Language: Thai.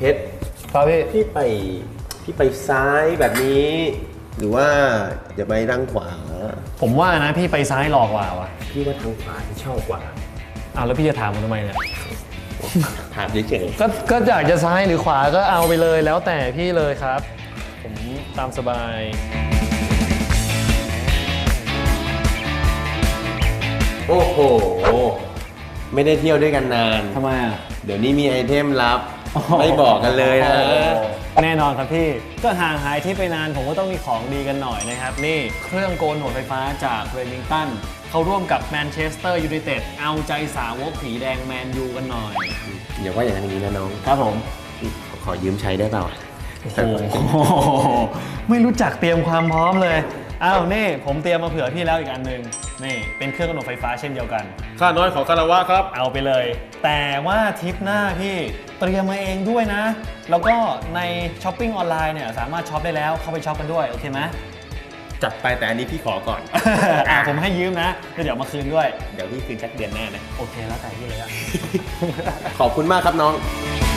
เพชรครับพี่พี่ไปซ้ายแบบนี้ หรือว่าจะไปทางขวาผมว่านะพี่ไปซ้ายหลอกกว่าวะพี่ว่าทางขวาที่ชอบกว่าเอาแล้วพี่จะถามผมทำไมเนี่ยถามเฉยก็อยากจะซ้ายหรือขวาก็เอาไปเลยแล้วแต่พี่เลยครับ ผมตามสบายๆโอ้โห ไม่ได้เที่ยวด้วยกันนานทำไมอ่ะเดี๋ยวนี้มีไอเทมลับ ไม่บอกกันเลยนะแน่นอนครับพี่ ก็ห่างหายที่ไปนานผมก็ต้องมีของดีกันหน่อยนะครับ นี่เครื่องโกนหนวดไฟฟ้าจากเรมิงตันเขาร่วมกับแมนเชสเตอร์ยูไนเต็ดเอาใจสาวกผีแดงแมนยูกันหน่อยอย่าว่าอย่างนี้นะน้องครับผมขอยืมใช้ได้เปล่าโอ้โหไม่รู้จักเตรียมความพร้อมเลยอ้าวนี่ผมเตรียมมาเผื่อพี่แล้วอีกอันหนึ่งนี่เป็นเครื่องกำหนดไฟฟ้าเช่นเดียวกันข้าน้อยขอคารวะครับเอาไปเลย แต่ว่าทริปหน้าพี่เตรียมมาเองด้วยนะ แล้วก็ในช้อปปิ้งออนไลน์เนี่ยสามารถช็อปได้แล้วเข้าไปช็อปกันด้วยโอเคไหมจัดไปแต่อันนี้พี่ขอก่อนผมให้ยืมนะแล้วเดี๋ยวมาคืนด้วยเดี๋ยวพี่คืนชักเดือนหน้านะโอเคแล้วแต่พี่เลยอะขอบคุณมากครับน้องค